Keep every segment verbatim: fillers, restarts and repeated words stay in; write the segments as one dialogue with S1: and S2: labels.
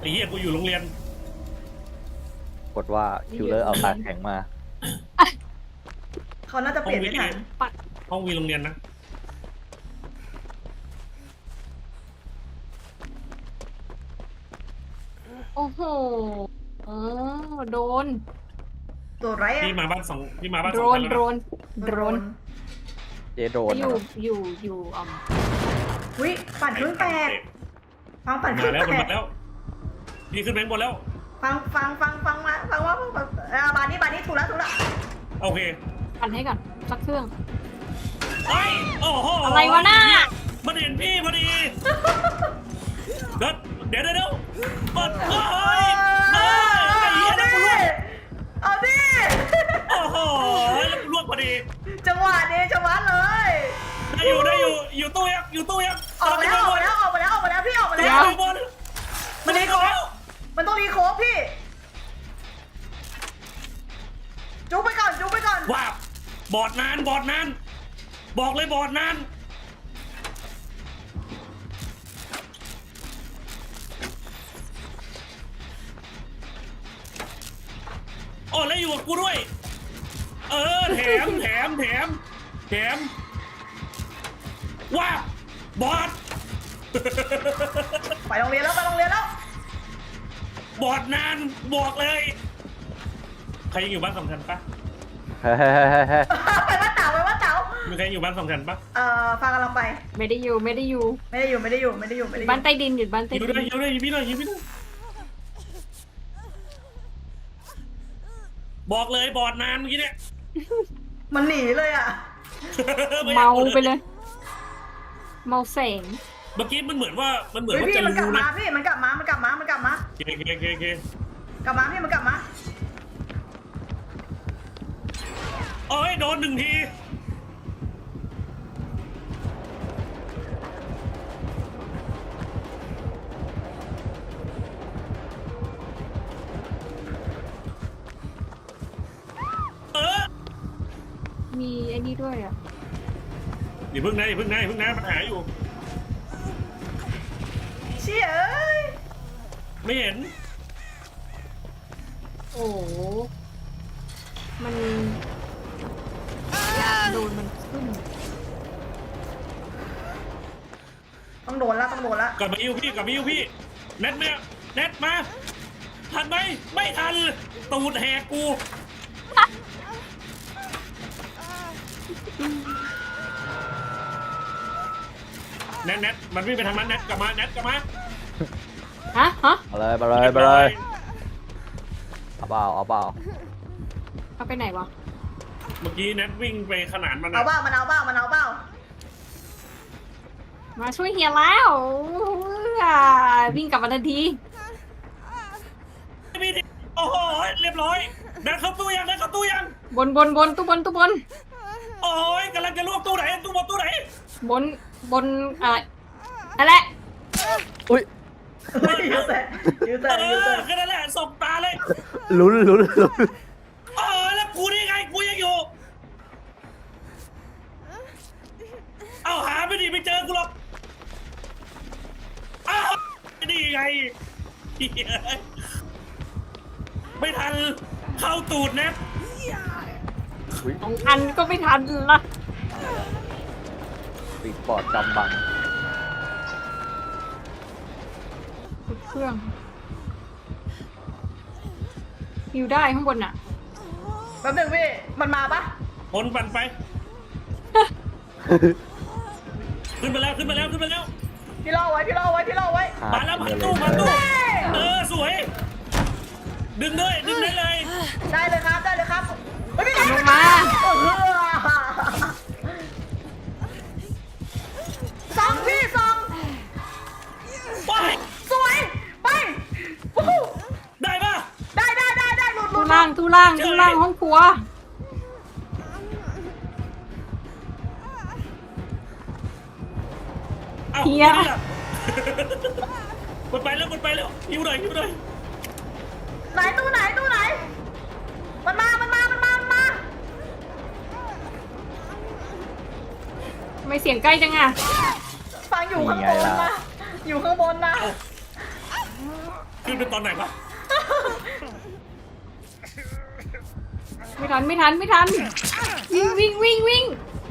S1: ไอ้เหี้ยกูอยู่โรงเรียน
S2: กดว่าคิวเลอร์เอาตาแข็งมา
S3: เขาน่าจะเปลี่ยนไม่ทัน
S4: ปัด
S1: ห้องวีโรงเรียนนะ
S4: โอ้โหเออโดน
S3: ตัวไรอะ
S1: พี่มาบ้านสองพี่มาบ้าน
S4: โด
S1: สอง
S4: น
S1: คน
S4: โด
S1: แล้วนะ
S4: นโดน
S2: เจโดน
S4: อยู่
S2: นะ
S4: อยู่อยู่อ่อม
S3: วิปั่นเครื่องแตกฟังปั่นเค
S1: มา
S3: รื่อง
S1: แล้วมัน
S3: แต
S1: มาก แล้วพี่ขึ้นแบงค์บนแล้ว
S3: ฟังฟังฟังฟังมาฟังว่าฟังอ่าบานนี้บานนี้ถูกแล้วถูกแล้ว
S1: โอเค
S4: ปั่นให้ก่อนสักเครื่อง
S1: ไอ้ยโอ้โห
S4: อะไรวะน่ะ
S1: มันเห็นพี่พอดีเดี๋ยวเดี๋ยวเดี๋ยวเดี๋ยวเปิดเฮ้ยเฮ้ยไอ้เหี้ยแล้วกูล่วง
S3: เอาดิ
S1: โอ้โหแล้วกูล่วงพอดี
S3: จังหวะนี้จังหวะเลย
S1: ได้อยู่ได้อยู่อยู่ตู้ยังอยู่ตู้ยัง
S3: ออกมาแล้วออกมาแล้วออกมาแล้วออกมาแล้วพี่ออกมา
S1: เดี๋
S3: แล้
S1: ยว
S3: ว
S1: อยู่บน
S3: มันรีโคฟมันต้องรีโคฟพี่จุ๊บไปก่อนจุ๊บไปก่อน
S1: ว่าบอดนานบอดนานบอกเลยบอดนานโอ้แล้วอยู่กับกูด้วย เออแถมแถมแถมแถมว่าบอด
S3: ไปโรงเรียนแล้วไปโรงเรียนแล้ว
S1: บอดนานบอกเลย ใครยังอยู่บ้านสำคัญปะ
S2: เฮ้ยเฮ้ยเฮ้ยเฮ้ยเฮ้ย
S3: ไปว่าเต๋าไปว่าเต๋า
S1: มีใครอยู่บ้านสำคัญปะ
S3: เอ่อฟังกำลังไป
S4: ไม่ได้อยู่ไม่ได้อยู่
S3: ไม่ได้อยู่ไม่ได้อยู่ไม่ได้อยู่ไม่ได้อยู่
S4: บ้านใต้ดินอยู่บ้านใต้
S1: อยู่
S4: ดิ
S1: ด้วย
S4: น
S1: อยู่ด้วยยิงพี่หน่อยยิงพี่หน่อยบอกเลยบอดนานเมื่อกี้เนี่ย
S3: มันหนีเลยอ่ะ
S4: เมาไปเลย เมาแสง
S1: เมื่อกี้มันเหมือนว่ามันเหมือน
S3: เฮ้ย
S1: ว่า
S3: พี่
S1: จะ
S3: มันกลับ
S1: รู้
S3: มา
S1: นะ
S3: พี่มันกลับมามันกลับมามันกลับมา
S1: โอเคโอเคโอเคโอเค
S3: กลับมาพี่มันกลับมา
S1: โอ้ยโดนหนึ่งทีเออ
S4: มีไอ้นี่ด้วยอ่ะ
S1: อย่าเพิ่งนะอย่าเพิ่งนะอย่าเพิ่งนะปัญหาอยู่
S3: เชี่ยเอ้ย
S1: ไม่เห็น
S4: โอ้โหมันอยากโดนมันขึ้น
S3: ต้องโดนแล้วต้องโดนแล้ว
S1: กลับมาอิวพี่กลับมาอิวพี่เน็ตเนี่ยเน็ตมาทันไหมไม่ทันตูดแหกกูเน็ตเน็ตมันวิ่งไปทางนั้นเน็ตกลับมาเน็ตกลับมา
S4: ฮะฮะ
S2: เอาเลยไปเลยไปเลยเอาเปล่าเอาเปล่า
S4: เอาไปไหนวะ
S1: เมื่อกี้เน็ตวิ่งไปขนานมัน
S3: เอา
S1: นะ
S3: เบ้ามันเอาเบ้ามันเอาเบ้า
S4: มาช่วยเฮียแล้วอ่าวิ่งกลับมาทันที
S1: พี่ดิโอ้โหเรียบร้อยเดินเข้าตู้ยังเดินเข้าตู้ยัง
S4: บนบนบนตู้บนตู้บน
S1: โอ้ยกำลังจะลวกตู้ไหนตู้บนตู้ไหน
S4: บนบนอ่านั่นแหละ
S2: อุ้ย
S3: ยูเซนยูเซ
S1: เอน
S3: ยูเซ
S1: อน แค่นั้นแหละสบตาเลย
S2: ลุ้นลุ้นลุ้น
S1: เออแล้วกูนี่ไงกูยังอยู่เอาหาไม่ดีไม่เจอกูหรอกอ้าวนี่ไงเหี้ยไม่ทันเข้าตูดเน็ต
S2: อุ้ย
S4: สองอันก็ไม่ทันละ
S2: ปิดปอดกำบัง
S4: ทุกเครื่องอยู่ได้ข้างบนอ่ะ
S3: แป๊บหนึงพี่มันมาปะ
S1: คนปั่นไป ขึ้นไปแล้วขึ้นไปแล้วขึ้นไปแล้ว
S3: พี่ล่อไว้พี่ล่อไว้พี่ล่อไว้
S1: มาแล้วมาตู้มาตู้เออสวย ดึงด้วยดึงได้เลย
S3: ได้เลยครับได้เลยครับเฮ้ยพี่
S4: ลงมา
S3: เออสองพี่สอง
S1: ไป
S3: สวยไปวู้ฮู้
S1: ได้ปะ
S3: ได้ได้ได้ได้หลุดหลุ
S4: ตู้
S3: ด
S4: ล่างตู้ล่างตู้ล่างห้องครัว
S1: เอ้า
S4: เฮีย
S1: ไม่ได้หรอมันไปแล้วมันไปแล้วหิวหน่อยหิวหน่อย
S3: ไหนตู้ไหนตู้ไหนมันมามันมามันมามันมา
S4: ทำไมเสียงใกล้จังอ่ะ
S3: ฟังอยู่ข้างบนนะอยู่ข้างบนนะ
S1: ขึ้นเป็นตอนไหนวะ
S4: ไม่ทันไม่ทันไม่ทันวิ่งวิ่งวิ่งวิ่ง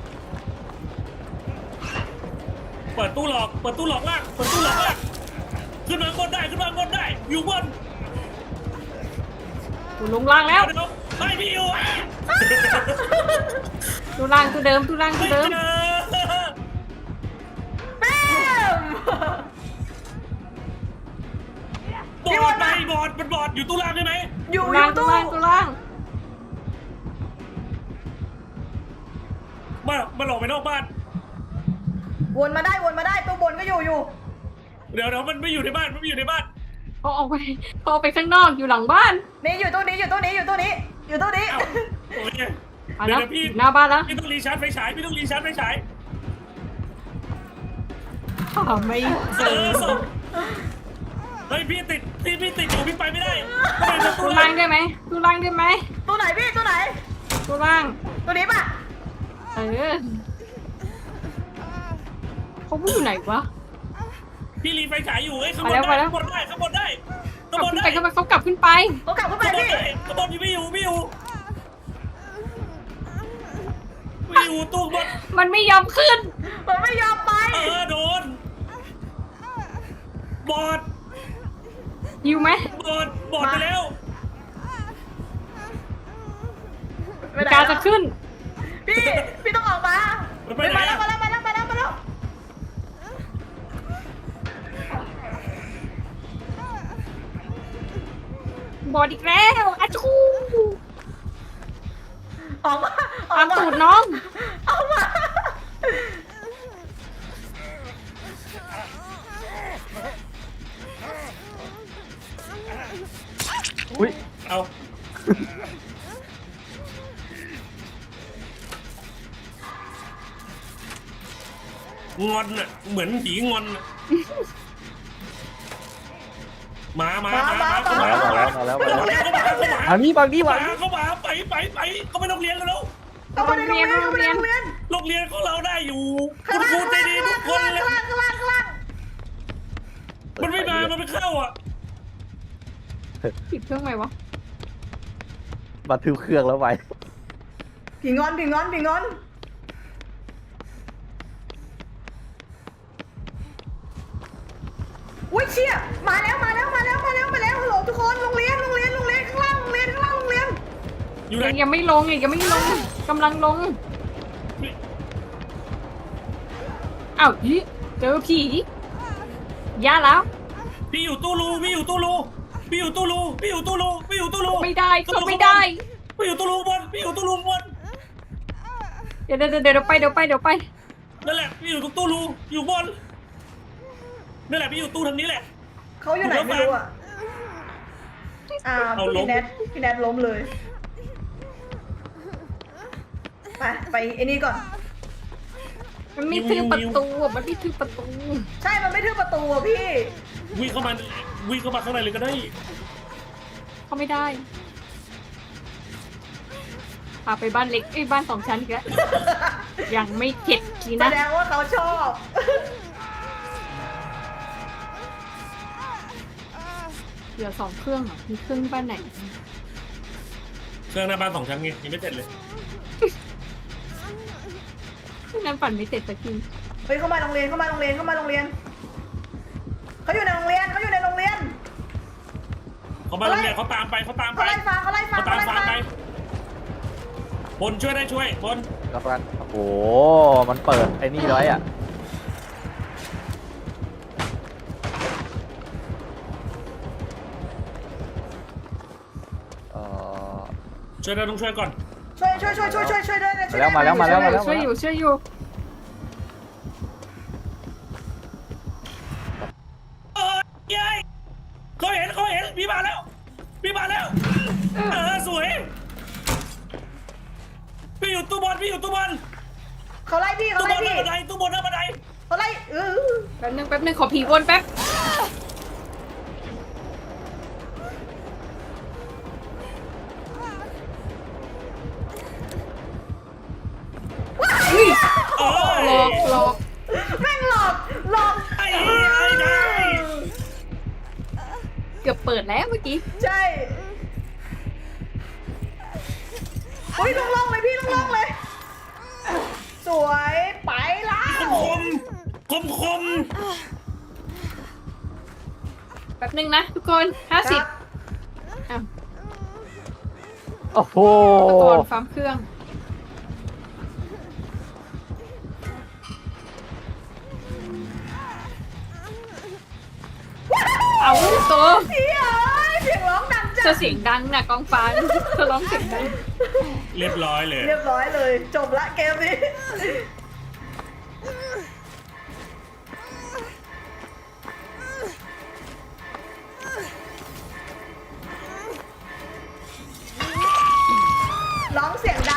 S1: เปิดตู้หลอกเปิดตู้หลอกล่างเปิดตู้หลอกล่างขึ้นมาบนได้ขึ้นมาบนได้อยู่บน
S4: กูลงล่างแล้ว
S1: เดี๋ยวไอ้พี่อยู่อ่ะ
S4: ตัวล่างตัวเดิมตัวล่างตั
S1: ไม่
S4: วเดิม
S1: เจอ
S3: แป๊ม
S1: บอดไปบอดมันบอดอยู่ตู้ล่างได้ไหม
S3: อยู่
S4: ตัว
S3: อ
S4: ล่าง
S3: ยู่
S4: ตัว
S3: ตู้
S4: ล่างตัวล่าง
S1: มามาหลอกไปนอกบ้าน
S3: วนมาได้วนมาได้ตัวบนก็อยู่อยู่
S1: เดี๋ยวเดี๋ยวมันไม่อยู่ในบ้านมันไม่อยู่ในบ้าน
S4: เขาออกไปเขาออกไปข้างนอกอยู่หลังบ้าน
S3: นี่อยู่ตู้นี้อยู่ตู้นี้อยู่ตู้นี้อยู่ตู้นี้
S1: เอ้าโอเค
S4: มา
S1: เดี๋
S4: แล้
S1: ยว วเดี๋ยวพี่
S4: หน้าบ้านแล้ว
S1: พี่ต้องรีชาร์จไฟฉายพี่ต้องรีชาร์จไฟฉาย
S4: หาไม่เจ
S1: เอ
S4: อ
S1: อส่งเฮ้ยพี่ติดพี่พี่ติดอยู่พี่ไปไม่ได้ทำไมประตู
S4: ตัว
S1: ล่า
S4: ล่าง งได้ไหมตัวล่างได้ไหม
S3: ตู้ไหนพี่ตู้ไหน
S4: ตัวล่าง
S3: ตู้นี้ป่ะ
S4: เออเขาไม่อยู่ไหนวะ
S1: พี่รีไฟฉายอยู่เอ้ยข้างบ
S4: ไป
S1: น
S4: แล้วไป
S1: ได้
S4: แล้ว
S1: ข้างบนได้ข้างบนได้
S4: ก
S1: ข้าง
S4: ลับบ
S1: น
S4: ขึ้น
S1: ได้
S4: ไปก็ไปเขากลับขึ้นไป
S3: เขากลับเข้าไป
S1: ข้างบน
S3: พี่
S1: ได้ข้างบนไม่อยู่ไม่อยู่ไม่อยู่ตู้บน
S4: มันไม่ยอมขึ้น
S3: มันไม่ยอมไป
S1: เออโดนบอด
S4: ยิวไหม
S1: บอดบอดไปแล้ว
S3: ไปไหน
S4: กา
S3: แล้
S4: จะ
S3: ว
S4: ขึ้น
S3: พี่พี่ต้องออกมา
S1: มันไปไหน
S3: มาแล้ว
S1: อะ
S3: มาแล้วมาแล้วมาแล้วมาแล้ว
S4: บอดอีกแล้วอาชู
S3: ออกมาออ
S4: ตาก ม
S3: มา
S4: ตูดน้อง
S3: ออกมา
S2: อุ้ย
S1: เอางอนน่ะเหมือนผีงอนน่ะมามามามาเข้า
S2: มา
S1: มา
S2: แล้ว
S1: เข้า
S2: มา
S1: มา
S2: แล้วมาแล้วมาแล้ว
S1: เข้ามาเข้ามา
S2: อันนี้บางนี่
S1: เข้า
S2: บาง
S1: มา
S2: นี่
S1: เข้ามาไปไปไปก็ไม่ต้องเรียนกันแล้ว
S3: เข้ามาในโรงเรียนเข้ามาในโรงเรียน
S1: โรงเรียนของเราได้อยู่
S3: ข้า
S1: คุ
S3: ง
S1: ณ
S3: ล่าง
S1: ครูใจดีทุกคนเลย
S3: ข้างล่างข้างล่างข้างล่าง
S1: มันไม่มา มันไม่เข้าอ่ะ
S4: ปิดเครื่องไหมวะ
S2: บันทึกเครื่องแล้วไว้
S3: ผีงอนผีงอนผีงอนอุ้ยเชี่ยมาแล้วมาแล้วมาแล้วมาแล้วมาแล้วฮัลโหลทุกคนโรงเรียนโรงเรียนโรงเรียนข้างล่างโรงเรียนข้างล่างโรงเรียน
S1: อยู่ไหน
S4: ยังยังไม่ลงอีกยังไม่ลงกำลังลงอ้าวอีเจอผีย่าแล้ว
S1: พี่อยู่ตู้รูพี่อยู่ตู้รูพี่อยู่ตู้รูพี่อยู่ตู้รูพี่อยู่ตู้รู
S4: ไม่ได้ก็ไม่ได้
S1: พี่อยู่ตู้รูบนพี่อยู่ตู้รูบน
S4: เดี๋ยวเดี๋ยวเดี๋ยวไปเดี๋ยวไปเดี๋ยวไป
S1: นั่นแหละพี่อยู่ตรงตู้รูอยู่บนนั่นแหละพี่อยู่ตู้ทางนี้แหละ
S3: เขาอยู่ไหนไม่รู้อ่ะอ่า
S1: เอาล้ม
S3: พี่แนทพี่แนทล้มเลยไปไปไอ้นี่ก่อน
S4: มันไม่ทึบประตูอะมันไม่ทึบประตู
S3: ใช่มันไม่ทึบประตูอ่ะพี่
S1: วิ่งเข้ามาวิ่งเข้ามาข้างในเลยก็ได้
S4: เขาไม่ได้พาไปบ้านเล็กไอ้ยบ้านสองชั้นอีกแล้วยังไม่เข็ดที
S3: แส
S4: นะ
S3: ดงว่าเขาชอบ
S4: เหลือสองเครื่องเหรอมีเครื่องบ้านไหน
S1: เครื่องหน้าบ้านสองชั้นไงยังไม่เสร็จเลย
S4: นั้นปั่นไม่เสร็จสักที
S3: เฮ้ยเข้ามาโรงเรียนเข้ามาโรงเรียนเข้ามาโรงเรียนเขาอยู่ในโรงเรียนเขาอยู่ในโรงเรียน
S1: เขามาโรงเรียนเขาตามไปเขาตามไป
S3: เขาไล่ฟังเขาไล่ฟัง
S1: เขาตาม
S3: ไล่
S1: ฟังไปบนช่วยได้ช่วยบน
S2: กำลังโอ้โห มันเปิดไอ้นี่ไว้อ่ะ เอ่อ
S1: ช่วยได้ต้องช่วยก่อน
S3: ช่วยช่วยช่วยช่วยช่วยช่วยด้วยนะช่วย
S2: มาแล้วมาแล้วมาแล้ว
S4: ช่วยอยู่ช่วยอยู่
S1: เออยัยเขาเห็นเขาเห็นพี่มาแล้วพี่มาแล้วเออสวยพี่อยู่ตู้บอลพี่อยู่ตู้บอล
S3: เขาไล่พี่เขา
S1: ตู้บ
S3: ไล่
S1: อลหน้า
S3: พี่
S1: บันไดตู้บอลหน้าบันได
S3: เขาไล่เออ
S4: แป๊บนึงแป๊บนึงขอผีวนแป๊บอุ้ย
S1: เออ
S4: หลอกหลอก
S3: แม่งหลอกหลอก
S1: ไอ้ไอ้ได้
S4: แกกือบเปิดแล้วเมื่อกี้
S3: ใช่เฮ้ยลงๆเลยพี่ลงๆเลย สวยไปแล้ว
S1: คมคมคม
S4: แป๊บนึงนะทุกคนห้า
S3: ค
S4: สิ
S3: รั
S4: บบ อ้าว
S2: โอ้โห
S4: อุปกรณ์ฟาร์มเครื่องเอาตัว
S3: พี่เอ๋ยเสียงร้องดัง
S4: เธ
S3: จั
S4: อง เสียงดังนะกองฟางเธอร้องเสียงดัง
S1: เรียบร้อยเลย
S3: เรียบร้อยเลยจบละเกมนี้ ร้องเสียง